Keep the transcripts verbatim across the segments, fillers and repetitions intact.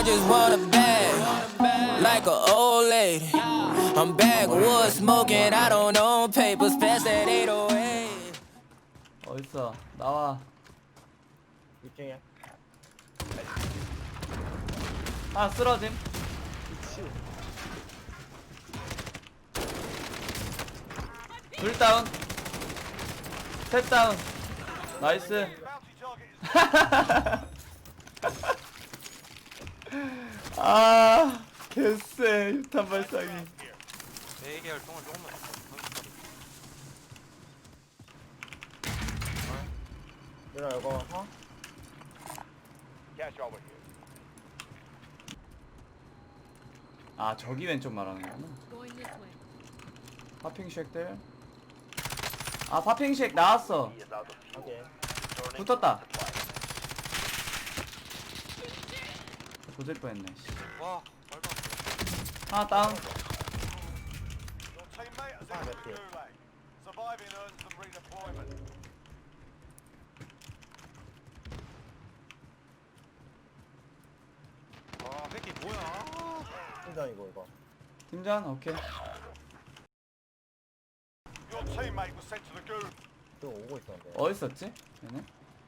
just want a bag, like an old lady. I'm backwoods smoking, I don't own papers, pass that eight oh eight. 어딨어? 나와. 이 층이야. 아, 쓰러짐. 미치. 둘 다운. 셋 다운. 나이스. 아, 개쎄. 유탄 발사기. 네개 활동을 조금만 더 얘들아 이거 어? 아, 저기 왼쪽 말하는 거구나. Going this way. 파핑쉑들. 아, 파핑쉑 나왔어. 오케이. 붙었다. 조질 뻔했네. 씨. 와 말도 안돼 하나 다운. 아 맵피. 아 새끼 뭐야 팀장이고 이거. 팀전 오케이. 또 오고 있었는데. 어디 있었지? 얘네.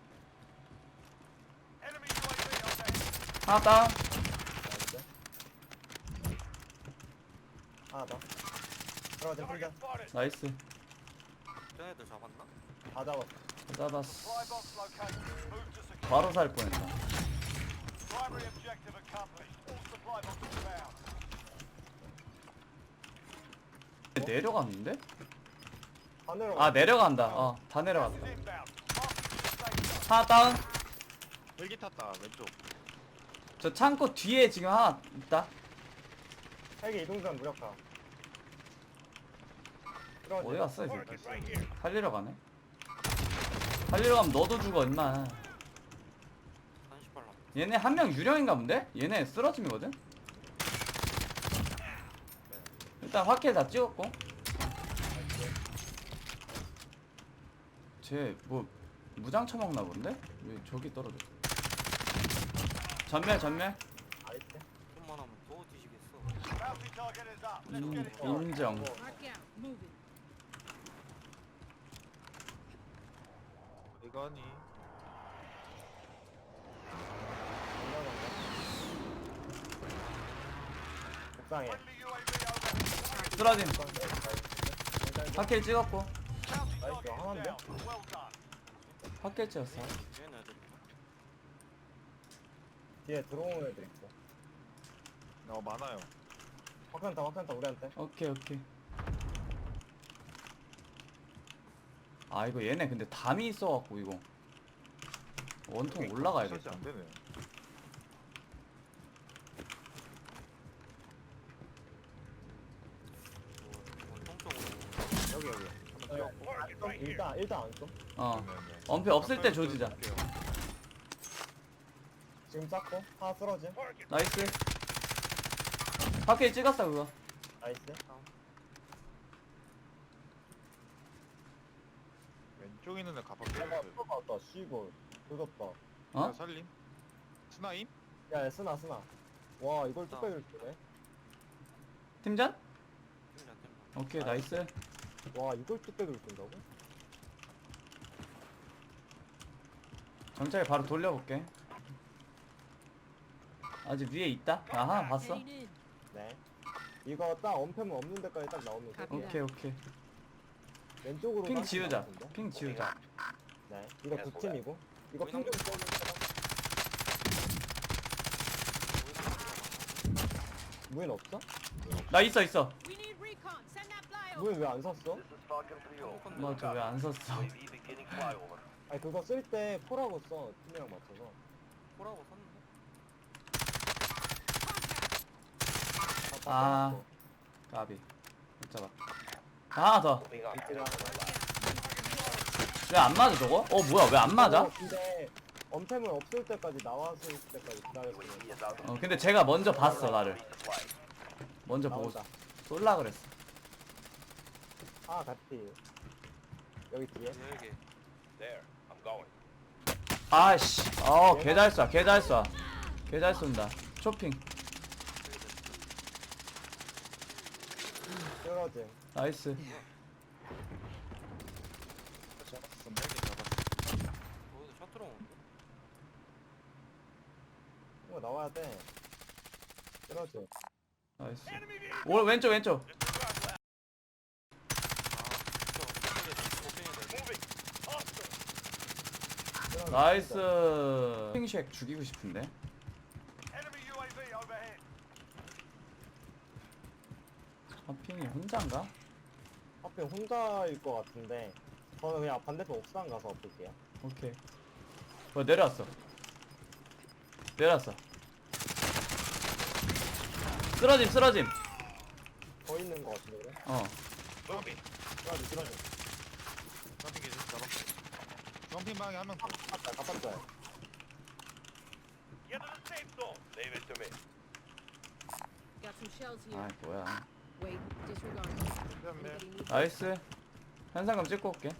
하나 다운. 나이스. 하나 더. 들어가자 팀장. 나이스. 쟤네들 잡았나? 다 잡았어. 잡았어. 바로 살 뻔했다. 내려갔는데? 다 내려가. 아, 내려간다. 어, 다 내려갔다. 하나 다운. 헬기 탔다 왼쪽 저 창고 뒤에 지금 하나 있다. 헬기 이동선 무력화. 들어가자. 어디 갔어, 이 새끼? 살리러 가네. 살리러 가면 너도 죽어, 임마. 삼십팔 남 얘네 한 명 유령인가 본데? 얘네 쓰러짐이거든? 일단 확킬 다 찍었고. 쟤 뭐 무장 처먹나 본데? 왜 저기 떨어져? 전멸 전멸. 나이스. 좀만 하면 또 뒤지겠어 인, 인정. Mark out. Moving. 이거니 옥상에. 쓰러짐. 확킬 찍었고. 나이스. 하나인데? 확킬 찍었어. 쟤네들 뒤에 들어오는 애들 있고. 어 많아요 확산타 확산타 우리한테. 오케이 오케이. 아, 이거 얘네 근데 담이 있어갖고 이거 원통 올라가야겠다. 안되네 원통 쪽으로 여기 여기. 한번 뛰어. 일단 일단 안 써. 어, 엄폐 없을 때 조지자. 지금 쌌고 하나 쓰러짐. 나이스. 확킬 찍었어 그거. 나이스. 왼쪽에 있는 애 가방 내가 쏘봤다. 씨고 조졌다. 어? 살림? 스나임? 야, 야 쓰나 쓰나. 와 이걸 뚝배기를 쓰네. 팀전? 팀장 팀장 오케이 나이스. 와 이걸 뚝배기를 쓴다고? 정찰 바로 돌려볼게. 아직 위에 있다? 나 하나 봤어. Heading in. 네. 이거 딱 엄폐물 없는 데까지 딱 나오면 돼. 오케이 오케이. 왼쪽으로 핑 가면 지우자. 나오는데? 핑 지우자. 네. 이거 두 팀이고. 이거 핑좀 써주세요. 무인 없어? 나 있어 있어. We need recon. Send that flyover. 무인 왜 안 샀어? 맞아 왜 안 샀어? 아니 그거 쓸 때 포라고 써. 팀이랑 맞춰서. 호라고 샀는데? 다, 다 아. 써놨어. 까비. 못 잡아. 하나 더. 이때가 왜 안 맞아 저거? 어 뭐야 왜 안 맞아? 어, 근데 엄폐물 없을 때까지 나왔을 때까지 기다렸으면 어 근데 제가 먼저 봤어 나를. 먼저 보고 나온다. 쏠라 그랬어. 아 같이 여기 뒤에. 여기 아씨. 어 개 잘 쏴. 개 잘 쏴. 개 잘 쏜다. 쇼핑. 쓰러짐. 나이스. 잡았어. 멜기 잡았어. 어디서 셔틀 오는데? 이거 나와야 돼. 쓰러짐. 나이스. 오 왼쪽 왼쪽. 쓰러짐. 나이스. 핑쉑 죽이고 싶은데. 하핑이 혼자인가? 하필 혼자일 것 같은데 저는 그냥 반대편 옥상 가서 엎을게요. 오케이. 어 내려왔어. 내려왔어. 쓰러짐 쓰러짐. 더 있는 것 같은데 그래? 어. 주황핑. 쓰러짐 쓰러짐. 주황핑 계속 잡았어. 주황핑 방에 한 명 더. 갚았다 갚았다. Got some shells here. 아 뭐야. Wait, disregard. 네. Anybody need 나이스. 현상금 찍고 올게.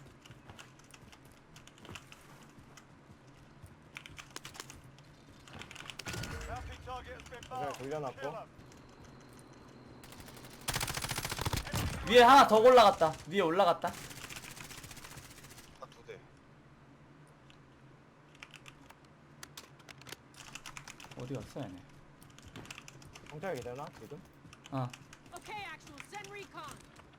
그냥 돌려놨고. 위에 하나 더 올라갔다. 위에 올라갔다. 두 대. 어디 갔어 얘네. 경찰이 되나 지금? 어. Okay, actual, send recon.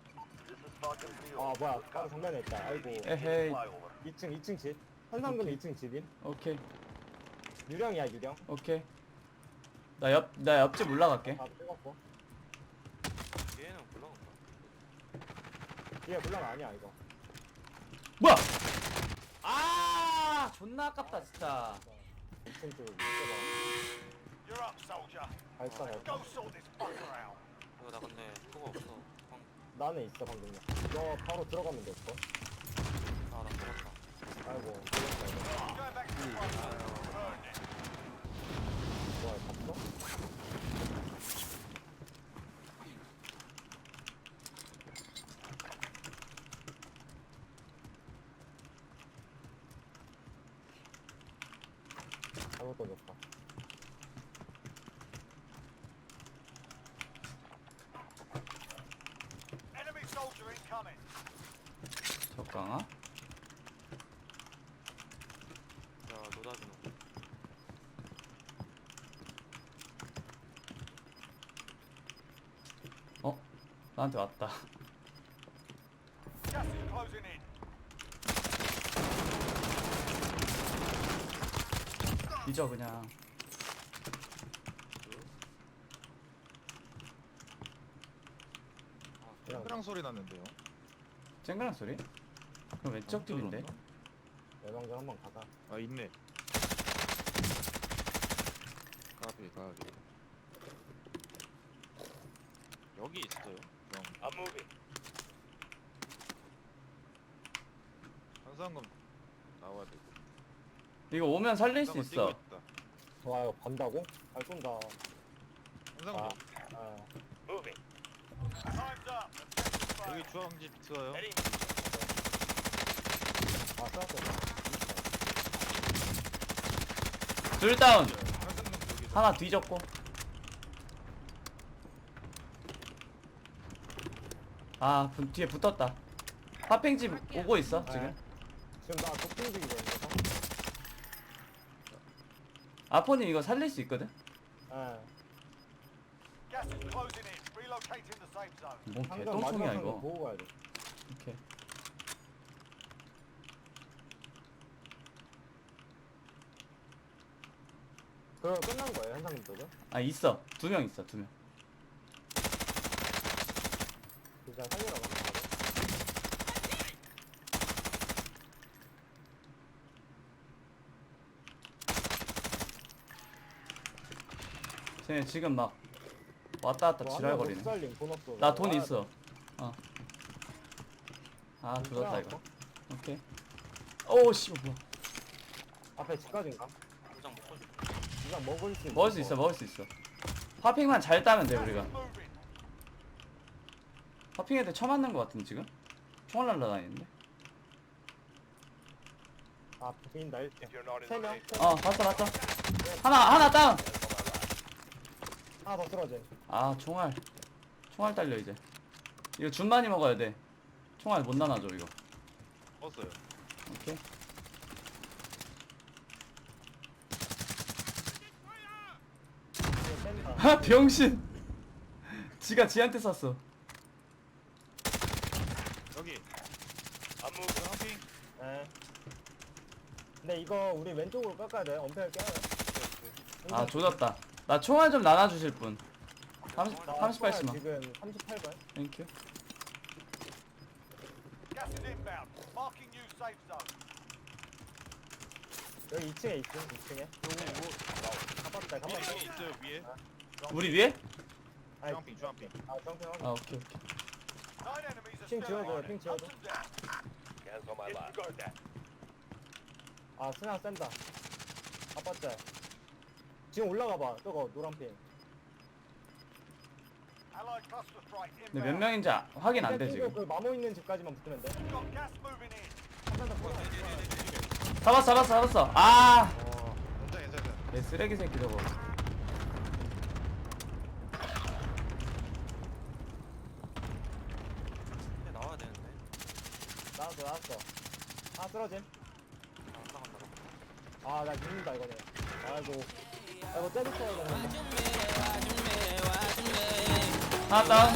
아 뭐야 바로 정면에 있다. 아이고. 에헤이. 이 층 이 층 집. 현상금 이 층 집임. 오케이. 유령이야 유령. 오케이. 나 옆 나 옆집 올라갈게. 다 찍었고. 얘는 올라간다. 뒤에 물론 아니야 이거. 뭐야? 아 존나 아깝다 진짜. 이 층 쪽 밑에가 발사 발사. 이거 나 근데 그거 없어. 방, 나는 있어 방금. 너 바로 들어가면 될 거. 아, 나 죽었다. 아이고. 걸렸다, 이거. 뭐야 봤어? 잘못 던졌다. 적강아? 야, 노다지노. 어? 나한테 왔다. 잊어 그냥. 그냥 랑 소리 났는데요. 쨍그랑 소리? 그럼 왼쪽 집인데? 예방전 한번 가자. 아 있네. 까비 까비. 여기 있어요. 형. 현상금 나와야 되고. 이거 오면 살릴 수 현상금 뛰고 있어. 있다. 와 이거 간다고? 잘 쏜다. 현상금 아, 아. 여기 주황집 있어요. 아 쐈어. 둘 다운. 현상금 여기. 하나 뒤졌고. 아 분, 뒤에 붙었다. 파팽집 오고 있어 지금. 네. 지금 나 도핑 중이거든요. 아포님 이거 살릴 수 있거든? 예. 뭔 방금 개똥통이야 마지막 이거. 보고 가야 돼. 오케이. 그럼 끝난 거예요 현상금 쪽은? 아 있어. 두 명 있어 두 명. 그냥 살리러 가는 거. 쟤네 지금 막 왔다 갔다 지랄거리네. 살림 돈 없어. 나 돈 있어. 어. 아 조졌다 이거. 오케이. 오우 씨 뭐야. 앞에 집까지인가? 도장 먹고 싶어. 그냥 먹을 수 있어. 먹을 수 있어 먹을 수 있어. 파핑만 잘 따면 돼 우리가. 파핑 애들 쳐맞는 거 같은데 지금? 총알 날라다니는데? 아 보인다 일단. 세 명. 어 봤어 봤어. 하나 하나 다운. 하나 더 쓰러짐. 아 총알 총알 딸려 이제. 이거 준 많이 먹어야 돼. 총알 못 나눠줘 이거. 먹었어요. 오케이. 이거 뺀다. 아 병신. 지가 지한테 쐈어. 여기. 안 먹어. 한핑. 네. 근데 이거 우리 왼쪽으로 깎아야 돼. 엄폐를 깨야 돼. 아 조졌다. 나 총알 좀 나눠주실 분. 삼십, 나 삼십팔 총알 시만. 지금 삼십팔 발. 땡큐. Gas is inbound. Marking new safe zone. 여기 이 층에 있음. 이 층에. 가봤다. 위에 가봤다. 있어요 위에. 우리 위에? 아니, 주황핑 주황핑. 아 정평 아 오케이 오케이. Nine enemies are 핑 still 지워줘요. on 핑 it. 지워줘. Hunt them down. Gas on my left. Disregard that. 아 스나 센다. 가봤자. 지금 올라가봐. 저거 노란 핑. Allied cluster strike 근데 몇 inbound. 명인지 아- 확인 안 돼 일단 지금. 그 마모 있는 집까지만 붙으면 돼. Got gas moving in. 한명더 풀어. 잡았어 잡았어 잡았어. 아. 어. 괜찮아 괜찮아. 내 쓰레기 새끼 저거. 근데 나와야 되는데. 나왔어 나왔어. 하나 쓰러짐. 안 나간다. 아 나 죽는다 이거네. 아이고. 아이고 때리쳐야 되는데. 하나 다운.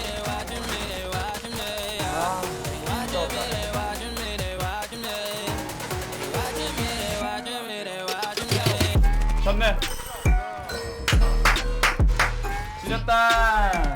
아 진짜 없다. 전멸. 지렸다.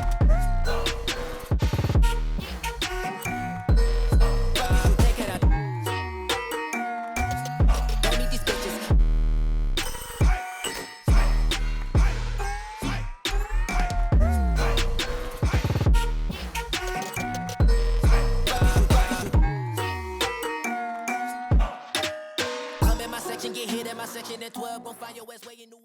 I'm in my section, get hit in my section, and twelve gon' find your ass where you knew